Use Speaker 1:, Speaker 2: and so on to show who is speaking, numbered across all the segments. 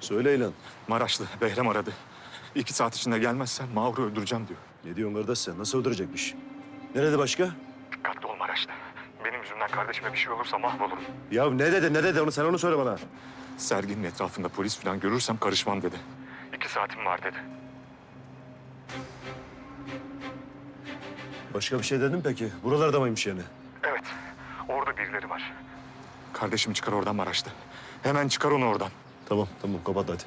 Speaker 1: Söyle İlhan.
Speaker 2: Maraşlı Behram aradı. 2 saat içinde gelmezsen Mahur'u öldüreceğim diyor.
Speaker 1: Ne diyorsun kardeş sen? Nasıl öldürecekmiş? Nerede başka?
Speaker 2: Dikkatli ol Maraşlı. Benim yüzümden kardeşime bir şey olursa mahvolurum.
Speaker 1: Ya ne dedi onu sen onu söyle bana.
Speaker 2: Serginin etrafında polis falan görürsem karışmam dedi. 2 saatim var dedi.
Speaker 1: Başka bir şey dedin mi peki? Buralarda mıymış yani?
Speaker 2: Evet, orada birileri var. Kardeşimi çıkar oradan Maraşlı. Hemen çıkar onu oradan.
Speaker 1: Tamam kapat hadi.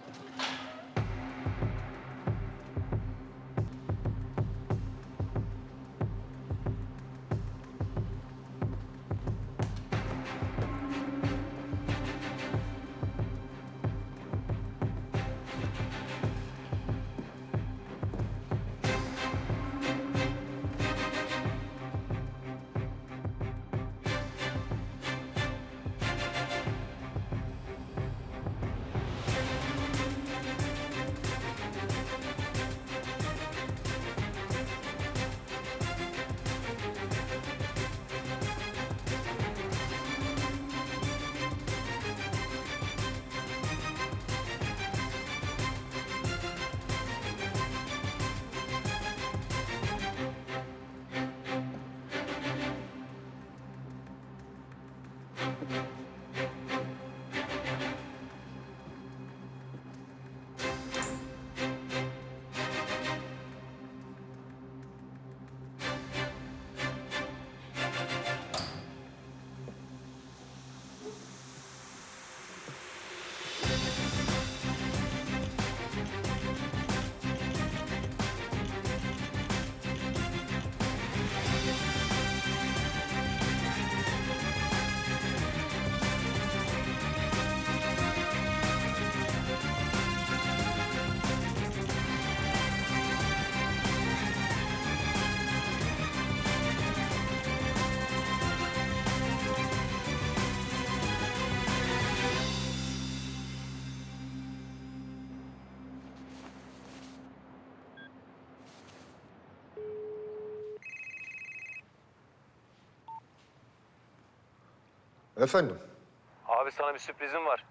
Speaker 3: Efendim,
Speaker 4: Abi sana bir sürprizim var.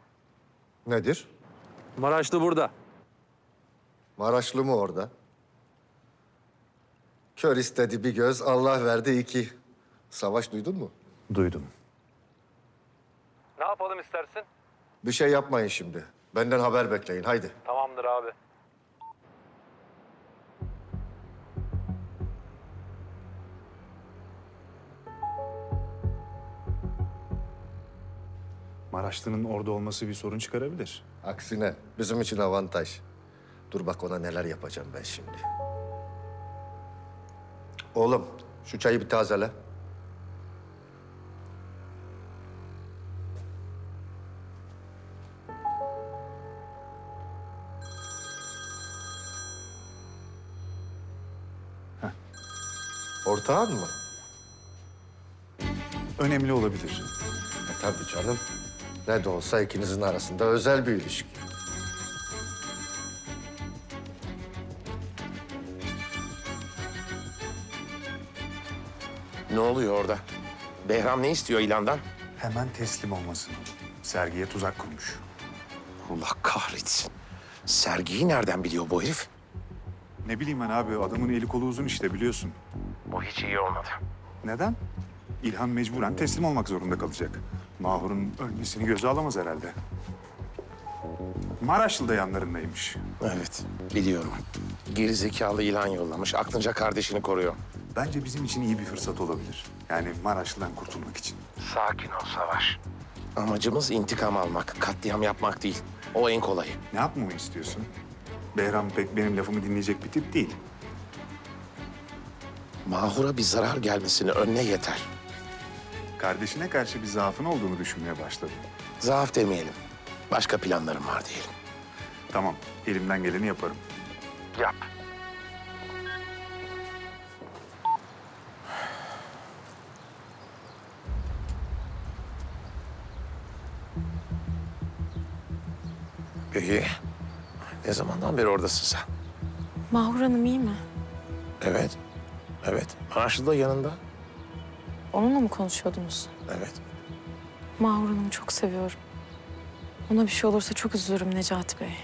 Speaker 3: nedir?
Speaker 4: Maraşlı burada.
Speaker 3: Maraşlı mı orada? Kör istedi bir göz, Allah verdi iki. Savaş duydun mu?
Speaker 1: Duydum.
Speaker 4: Ne yapalım istersin?
Speaker 3: Bir şey yapmayın şimdi. Benden haber bekleyin, haydi.
Speaker 4: Tamamdır abi.
Speaker 5: Maraşlı'nın orada olması bir sorun çıkarabilir.
Speaker 3: Aksine bizim için avantaj. Dur bak ona neler yapacağım ben şimdi. Oğlum, şu çayı bir tazele. Ortağın mı?
Speaker 5: Önemli olabilir.
Speaker 3: Tabii canım. Ne de olsa ikinizin arasında özel bir ilişki.
Speaker 6: Ne oluyor orada? Behram ne istiyor ilandan?
Speaker 5: Hemen teslim olmasın. Sergiye tuzak kurmuş.
Speaker 6: Allah kahretsin. Sergiyi nereden biliyor bu herif?
Speaker 5: Ne bileyim ben abi, adamın eli kolu uzun işte biliyorsun.
Speaker 6: Bu hiç iyi olmadı.
Speaker 5: Neden? İlhan mecburen teslim olmak zorunda kalacak. Mahur'un ölmesini göze alamaz herhalde. Maraşlı da yanlarındaymış.
Speaker 6: Evet, biliyorum. Gerizekalı ilan yollamış. Aklınca kardeşini koruyor.
Speaker 5: Bence bizim için iyi bir fırsat olabilir. Yani Maraşlı'dan kurtulmak için.
Speaker 6: Sakin ol Savaş. Amacımız intikam almak, katliam yapmak değil. O en kolayı.
Speaker 5: Ne yapmamı istiyorsun? Behram pek benim lafımı dinleyecek bir tip değil.
Speaker 6: Mahur'a bir zarar gelmesini önüne yeter.
Speaker 5: Kardeşine karşı bir zaafın olduğunu düşünmeye başladım.
Speaker 6: Zaaf demeyelim. Başka planlarım var diyelim.
Speaker 5: Tamam, elimden geleni yaparım.
Speaker 6: Yap. Peki, ne zamandan beri oradasın sen?
Speaker 7: Mahur Hanım iyi mi?
Speaker 6: Evet, evet. Maraşlı da yanında.
Speaker 7: Onunla mı konuşuyordunuz?
Speaker 6: Evet.
Speaker 7: Mahur Hanım'ı çok seviyorum. Ona bir şey olursa çok üzülürüm Necati Bey.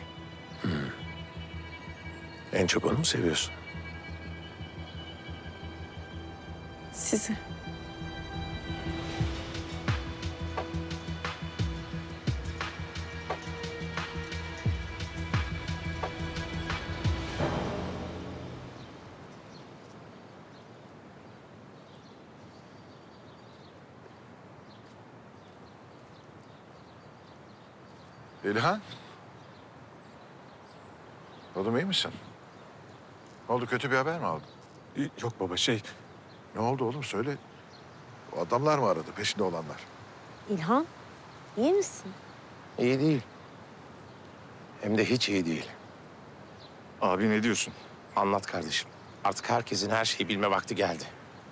Speaker 6: En çok onu mu seviyorsun?
Speaker 7: Sizi.
Speaker 8: İlhan. Oğlum iyi misin? Ne oldu, kötü bir haber mi aldın?
Speaker 2: Yok baba
Speaker 8: Ne oldu oğlum, söyle. O adamlar mı aradı, peşinde olanlar?
Speaker 9: İlhan, iyi misin?
Speaker 6: İyi değil. Hem de hiç iyi değil.
Speaker 2: abi ne diyorsun?
Speaker 6: Anlat kardeşim. Artık herkesin her şeyi bilme vakti geldi.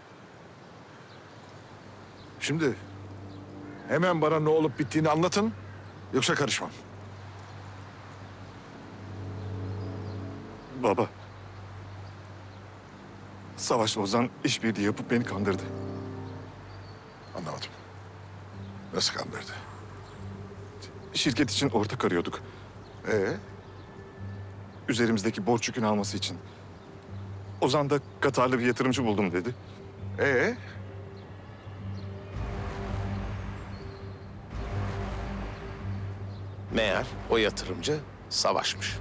Speaker 8: Şimdi hemen bana ne olup bittiğini anlatın, yoksa karışmam.
Speaker 2: Baba. Savaş'la Ozan işbirliği yapıp beni kandırdı.
Speaker 8: Anlamadım. Nasıl kandırdı?
Speaker 2: Şirket için ortak arıyorduk. Üzerimizdeki borç yükünü alması için. Ozan da Katarlı bir yatırımcı buldum dedi.
Speaker 8: Ee?
Speaker 6: Meğer o yatırımcı Savaş'mış.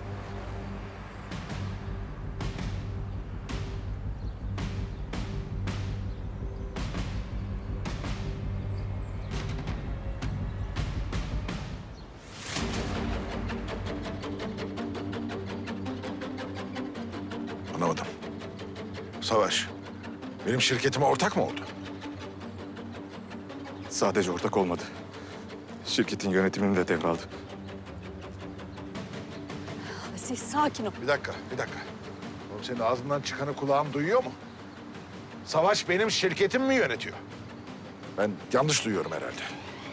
Speaker 8: Anlamadım. Savaş, benim şirketime ortak mı oldu?
Speaker 2: Sadece ortak olmadı. Şirketin yönetimini de devraldı.
Speaker 9: Aziz, sakin ol.
Speaker 8: Bir dakika. Oğlum senin ağzından çıkanı kulağım duyuyor mu? Savaş benim şirketimi mi yönetiyor? Ben yanlış duyuyorum herhalde.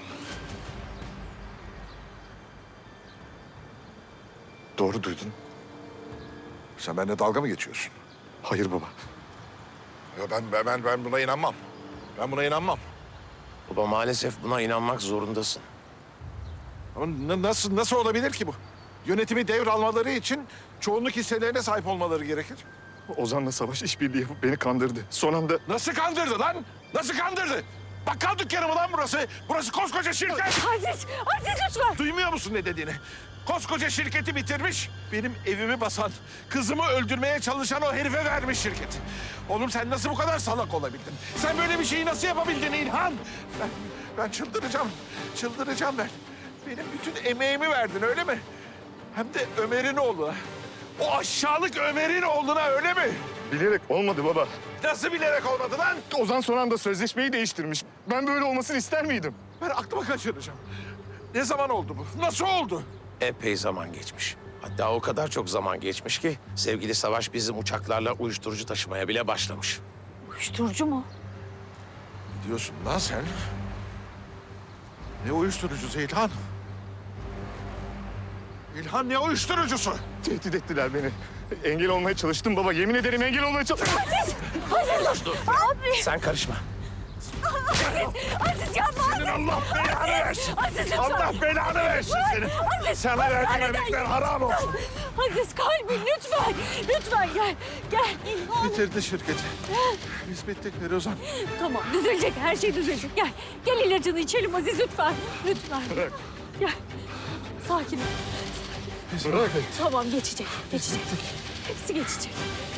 Speaker 2: Doğru duydun.
Speaker 8: Sen benimle dalga mı geçiyorsun?
Speaker 2: Hayır baba.
Speaker 8: Ya ben buna inanmam. Ben buna inanmam.
Speaker 6: Baba maalesef buna inanmak zorundasın.
Speaker 8: Ama nasıl olabilir ki bu? Yönetimi devralmaları için çoğunluk hisselerine sahip olmaları gerekir.
Speaker 2: Ozan'la Savaş işbirliği yapıp beni kandırdı. Son anda
Speaker 8: Nasıl kandırdı lan? Nasıl kandırdı? Bakkal dükkanı mı lan burası? Burası koskoca şirket.
Speaker 9: Aziz lütfen.
Speaker 8: Duymuyor musun ne dediğini? Koskoca şirketi bitirmiş. Benim evimi basan, kızımı öldürmeye çalışan o herife vermiş şirketi. Oğlum sen nasıl bu kadar salak olabildin? Sen böyle bir şeyi nasıl yapabildin İlhan? Ben çıldıracağım. Çıldıracağım ben. Benim bütün emeğimi verdin öyle mi? Hem de Ömer'in oğluna. O aşağılık Ömer'in oğluna öyle mi?
Speaker 2: bilerek olmadı baba.
Speaker 8: Nasıl bilerek olmadı lan?
Speaker 2: Ozan son anda sözleşmeyi değiştirmiş. Ben böyle olmasını ister miydim?
Speaker 8: Ben aklımı kaçıracağım. Ne zaman oldu bu? Nasıl oldu?
Speaker 6: Epey zaman geçmiş. Hatta o kadar çok zaman geçmiş ki sevgili Savaş bizim uçaklarla uyuşturucu taşımaya bile başlamış.
Speaker 9: Uyuşturucu mu?
Speaker 8: Diyorsun lan sen? Ne uyuşturucusu İlhan? İlhan ne uyuşturucusu?
Speaker 2: Tehdit ettiler beni. Engel olmaya çalıştım baba. Yemin ederim engel olmaya çalıştım.
Speaker 6: Sen karışma.
Speaker 9: Aziz yapma.
Speaker 8: Senin Allah belanı versin.
Speaker 9: Aziz lütfen.
Speaker 8: Allah belanı versin senin.
Speaker 9: Aziz,
Speaker 8: Sana verdiğim
Speaker 9: hastaneden
Speaker 8: emekler
Speaker 9: gel.
Speaker 8: haram olsun.
Speaker 9: Aziz kalbim lütfen. Lütfen gel. Gel. İlhan.
Speaker 8: Bitirdi şirketi. Biz bittik Firuzan.
Speaker 9: Tamam düzelecek. Her şey düzelecek. Gel. Gel ilacını içelim Aziz lütfen. Lütfen. Gel. Sakin ol.
Speaker 2: Bırak.
Speaker 9: Tamam geçecek. Geçecek. Hepsi geçecek.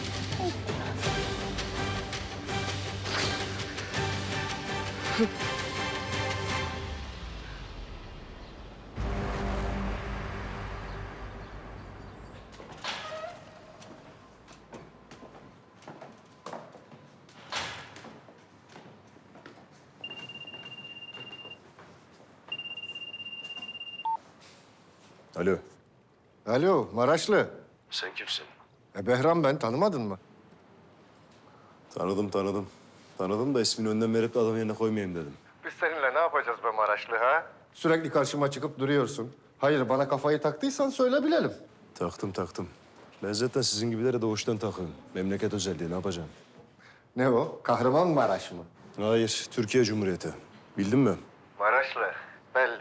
Speaker 1: Alo.
Speaker 3: Alo, Maraşlı.
Speaker 1: Sen kimsin?
Speaker 3: Behram ben, tanımadın mı?
Speaker 1: Tanıdım. Tanıdım da ismini önden verip de adamın yerine koymayayım dedim.
Speaker 3: Biz seninle ne yapacağız be Maraşlı ha? Sürekli karşıma çıkıp duruyorsun. Hayır, bana kafayı taktıysan söyle bilelim.
Speaker 1: Taktım. Ben zaten sizin gibilere doğuştan takığım. Memleket özelliği ne yapacağım?
Speaker 3: Ne o? Kahramanmaraş mı?
Speaker 1: Hayır, Türkiye Cumhuriyeti. Bildin mi?
Speaker 3: Maraşlı, belli.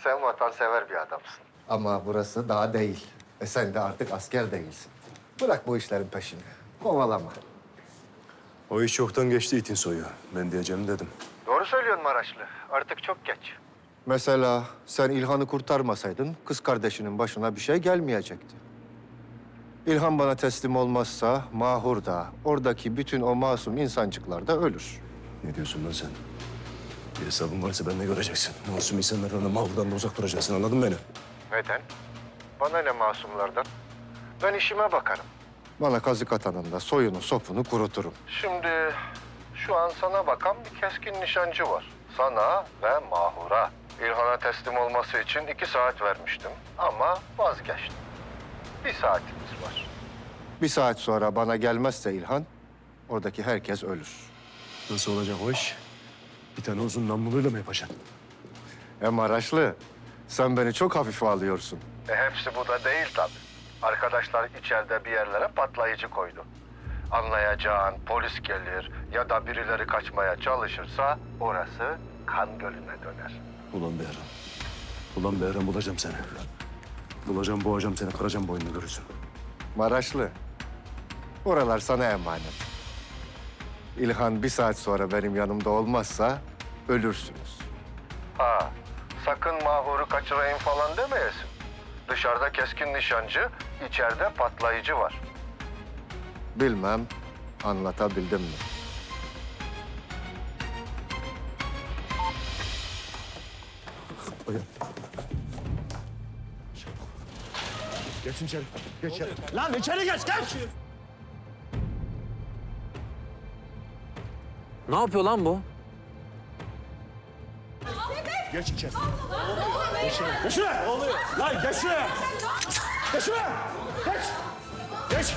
Speaker 3: Sen vatansever bir adamsın. Ama burası daha değil. Sen de artık asker değilsin. Bırak bu işlerin peşini. Kovalama.
Speaker 1: O iş çoktan geçti itin soyu. Ben diyeceğimi dedim.
Speaker 3: Doğru söylüyorsun Maraşlı. Artık çok geç. Mesela sen İlhan'ı kurtarmasaydın kız kardeşinin başına bir şey gelmeyecekti. İlhan bana teslim olmazsa Mahur da, oradaki bütün o masum insancıklar da ölür.
Speaker 1: Ne diyorsun lan sen? Bir hesabın varsa ben de göreceksin. Masum insanlarla Mahur'dan da uzak duracaksın, anladın mı beni?
Speaker 3: Neden? Bana ne masumlardan? Ben işime bakarım. Bana kazık atanın da soyunu, sopunu kuruturum. Şimdi şu an sana bakan bir keskin nişancı var. Sana ve Mahur'a. İlhan'a teslim olması için 2 saat vermiştim ama vazgeçtim. 1 saatimiz var. 1 saat sonra bana gelmezse İlhan, oradaki herkes ölür.
Speaker 1: Nasıl olacak o iş? Bir tane uzun namluluyla mı yapacaksın?
Speaker 3: Maraşlı, sen beni çok hafife alıyorsun. Hepsi bu da değil tabii. Arkadaşlar içeride bir yerlere patlayıcı koydu. Anlayacağın polis gelir ya da birileri kaçmaya çalışırsa orası kan gölüne döner.
Speaker 1: Ulan Behram. Ulan Behram bulacağım seni. Bulacağım, boğacağım seni, kıracağım boynunu görürsün.
Speaker 3: Maraşlı, oralar sana emanet. İlhan 1 saat sonra benim yanımda olmazsa ölürsünüz. Ha, sakın Mahur'u kaçırayım falan demeyesin. Dışarıda keskin nişancı, içeride patlayıcı var. Bilmem anlatabildim mi?
Speaker 1: Geçin içeri. Geç içeri. Lan içeri geç, geç!
Speaker 4: Ne yapıyor lan bu?
Speaker 1: Geç içeri. Geç şuraya. Ne oluyor? Lan geç şuraya. Geç şuraya. Geç. Geç.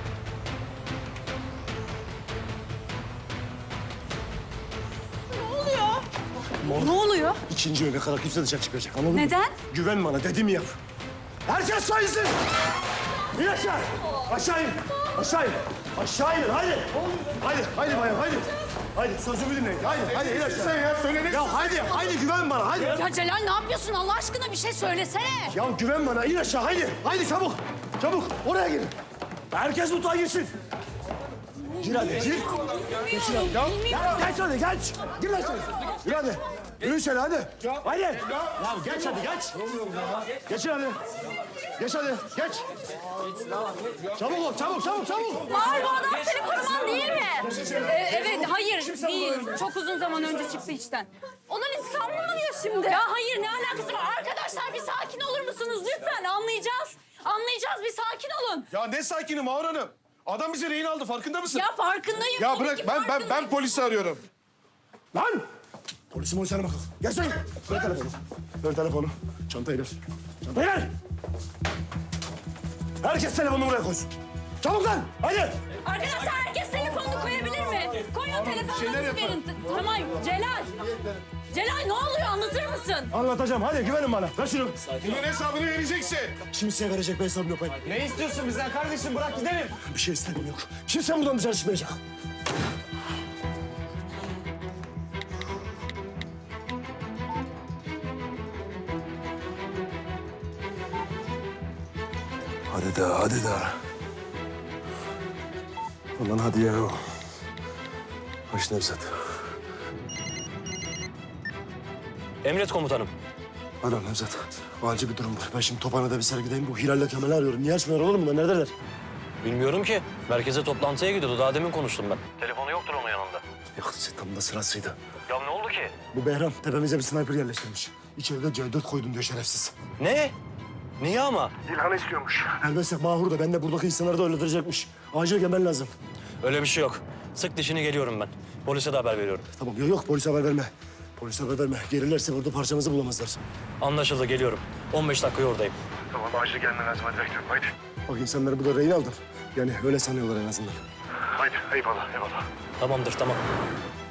Speaker 9: Ne oluyor?
Speaker 1: İkinci öğüne kadar kimse dışarı çıkmayacak, anladın mı?
Speaker 9: Neden?
Speaker 1: Güven bana, dediğimi yap. Herkes sayısın. İn aşağı. Aşağı in. Aşağı in. Aşağı inin, hadi. Haydi bayan, haydi. Haydi, sözümü dinleyin. Haydi, in aşağı. Sen ya, söyledin. Ya haydi güven bana, haydi.
Speaker 9: Ya Celal ne yapıyorsun Allah aşkına bir şey söylesene.
Speaker 1: Ya güven bana, in aşağı, haydi. Haydi çabuk, çabuk. Oraya girin. Herkes mutfağa girsin. Gir hadi, gir. Geç hadi. Ya geç hadi, geç. Gir lan sen. Gir hadi. Yürü içeri hadi. Haydi. Ya geç hadi, geç. Geçin hadi. Geç hadi, geç. Çabuk ol, çabuk.
Speaker 9: Mahur bu adam seni koruman değil mi? Evet, hayır değil. Çok uzun zaman önce çıktı içten. Onun intikamını mı alıyor şimdi? Ya hayır, ne alakası var? Arkadaşlar bir sakin olur musunuz lütfen? Anlayacağız. Anlayacağız, bir sakin olun.
Speaker 8: Ya ne sakini Mahur Hanım? Adam bizi rehin aldı, farkında mısın?
Speaker 9: Ya farkındayım.
Speaker 8: Ya
Speaker 9: tabii
Speaker 8: bırak,
Speaker 9: ki
Speaker 8: ben
Speaker 9: farkındayım.
Speaker 8: polisi arıyorum.
Speaker 1: Lan! Polisim sana bakalım. Gel sen. Ver telefonu. Ver telefonu. Çantayı ver. Çantayı ver. Herkes telefonunu buraya koysun. Çabuk lan. Hadi.
Speaker 9: Arkadaşlar herkes telefonunu koyabilir mi? Koyun telefonunuzu verin. Tamam Celal. Celal ne oluyor anlatır mısın?
Speaker 1: Anlatacağım. Hadi güvenin bana. Ver şunu.
Speaker 8: Bunun hesabını vereceksin.
Speaker 1: Kimseye verecek bir hesabım yok benim.
Speaker 4: Ne istiyorsun bizden kardeşim? Bırak gidelim.
Speaker 1: Bir şey istediğim yok. Kimse buradan dışarı çıkmayacak. Hadi daha. Ulan hadi ya. Hoş Nevzat.
Speaker 4: Emret komutanım.
Speaker 1: Alo Nevzat. Acil bir durum var. Ben şimdi Tophane'de bir sergideyim. Bu Hilal'le Kemal'i arıyorum. Niye açmıyorlar oğlum bunlar? Neredeler?
Speaker 4: Bilmiyorum ki. Merkeze toplantıya gidiyordu. Daha demin konuştum ben. Telefonu yoktur onun yanında.
Speaker 1: Ya tam da sırasıydı.
Speaker 4: Ya ne oldu ki?
Speaker 1: Bu Behram tepemize bir sniper yerleştirmiş. İçeride C4 koydum diyor şerefsiz.
Speaker 4: Ne? Niye ama?
Speaker 1: İlhan'ı istiyormuş. Elbette Mahur da ben de buradaki insanları da öldürecekmiş. Acil gelmen lazım.
Speaker 4: Öyle bir şey yok. Sık dişini geliyorum ben. Polise de haber veriyorum.
Speaker 1: Tamam yok polise haber verme. Polise haber verme. Gelirlerse burada parçamızı bulamazlar.
Speaker 4: Anlaşıldı geliyorum. 15 dakikaya oradayım.
Speaker 1: Tamam acil gelmen lazım hadi bekliyorum haydi. Bak insanları burada rehin aldım. Yani öyle sanıyorlar en azından. Haydi eyvallah.
Speaker 4: Tamamdır tamam.